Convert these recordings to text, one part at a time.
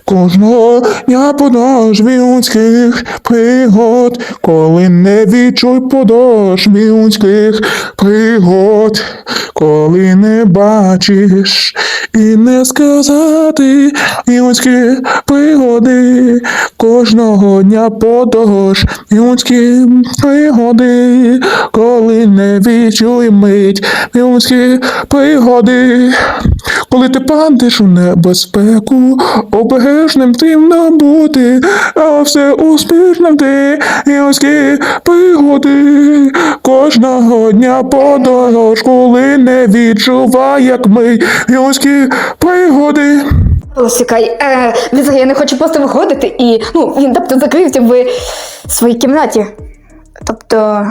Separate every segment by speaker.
Speaker 1: Кожного дня подошві людських пригод, коли не відчуй подошві людських пригод, коли не бачиш і не сказати людські пригоди, кожного дня подорож людські пригоди, коли не відчуй мить людські пригоди, коли ти падеш у небезпеку, обережним тимно бути, а все успішно ти людські пригоди, кожного дня подорож, коли не відчувай, як ми людські пригоди.
Speaker 2: Чекай, я не хочу просто виходити і, він, закрився в своїй кімнаті. Тобто,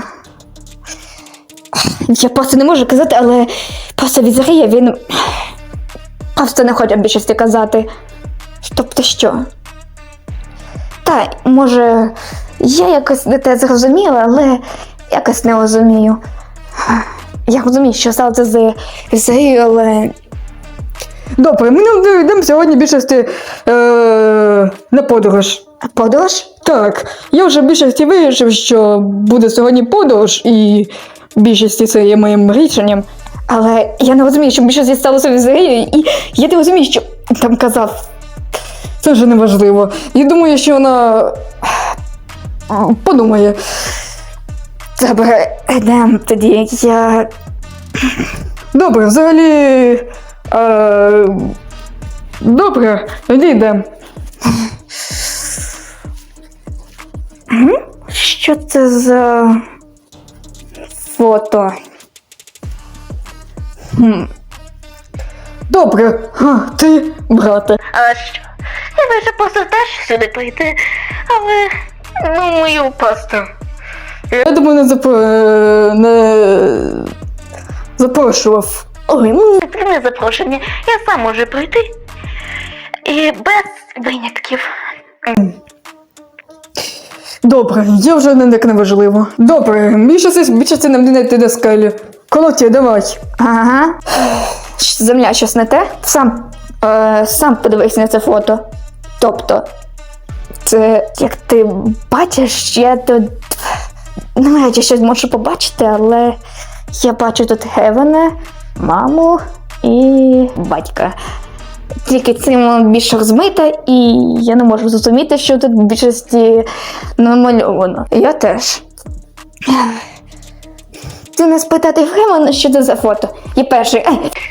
Speaker 2: я просто не можу казати, але просто Візарія, він просто не хоче більшості казати. Тобто що? Та, може, я якось не те зрозуміла, але якось не розумію. Я розумію, що сталося з Візарією, але... Добре, ми не йдемо сьогодні більшості на подорож. Подорож? Так, я вже більшості вирішив, що буде сьогодні подорож, і більшості це є моїм рішенням. Але я не розумію, що більшості сталося Візарією, і я не розумію, що там казав. Це вже не важливо. Я думаю, що вона подумає. Добре, йдемо тоді, я... Добре, взагалі... Добре, тоді йдемо. Що це за фото? Добре, ти, брате.
Speaker 3: А що? Я вирішив просто теж сюди прийти, але мою просто.
Speaker 2: Я думаю, не запрошував.
Speaker 3: Ой, не прийме запрошення, я сам можу прийти. І без винятків.
Speaker 2: Добре, я вже не важливо. Добре, більше нам не йти до скелі. Колотя, давай. Ага. Земля, щось не те? Сам подивись на це фото. Тобто, це, як ти бачиш, я тут... Навряд чи щось можу побачити, але я бачу тут Гевена, маму і батька. Тільки цим більше розмита, і я не можу зрозуміти, що тут в більшості намальовано. Я теж. Ти не спитати Гевена, що це за фото? Я перший.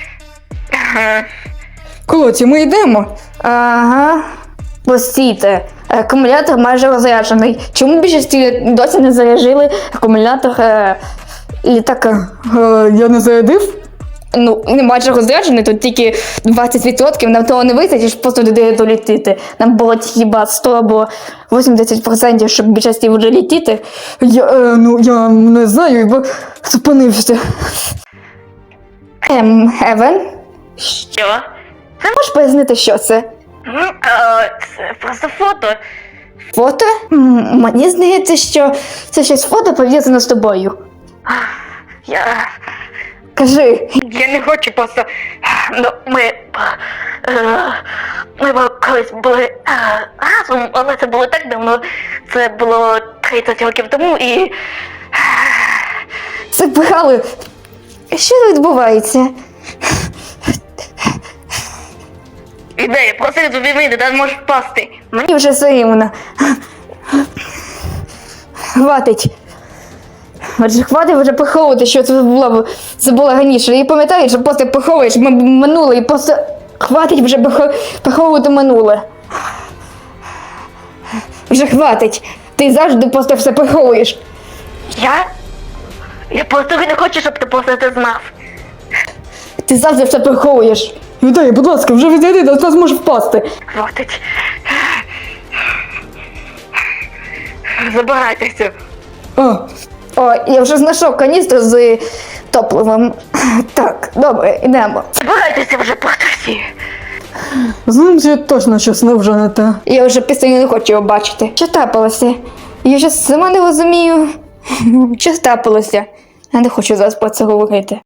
Speaker 2: Колоті, ми йдемо? Ага. Постійте, акумулятор майже розряджений. Чому більшості досі не заряджили акумулятор літака? Я не зарядив? Не майже розряджений, тут тільки 20%, нам того не вистачить, щоб просто туди долітити. Нам було хіба 100 або 80%, щоб більшості вже літіти. Я не знаю, бо зупинився. Евен?
Speaker 3: Що?
Speaker 2: Ти можеш пояснити, що це?
Speaker 3: Це просто фото.
Speaker 2: Фото? Мені здається, що це щось фото пов'язане з тобою. Кажи.
Speaker 3: Я не хочу просто... Ми колись були разом, але це було так давно. Це було 30 років тому і...
Speaker 2: Це брали. Що відбувається?
Speaker 3: Ідея, просто тобі вийде, та можеш впасти.
Speaker 2: Мені вже соромно. Хватить. Отже, хватить вже поховувати, що це було раніше. І пам'ятаєш, що просто поховуєш минуле, і просто хватить вже поховувати минуле. Вже хватить. Ти завжди просто все поховуєш.
Speaker 3: Я просто не хочу, щоб ти просто це знав.
Speaker 2: Ти завжди все поховуєш. Вітаю, будь ласка, вже відійди, до нас може впасти.
Speaker 3: Хватить. Забирайтеся.
Speaker 2: Я вже знайшов каністру з топливом. Так, добре, йдемо.
Speaker 3: Забирайтеся вже просто всі.
Speaker 2: Знаєш, точно щось не вже не те. Я вже після не хочу його бачити. Що трапилося? Я вже сама не розумію. Що трапилося? Я не хочу зараз про це говорити.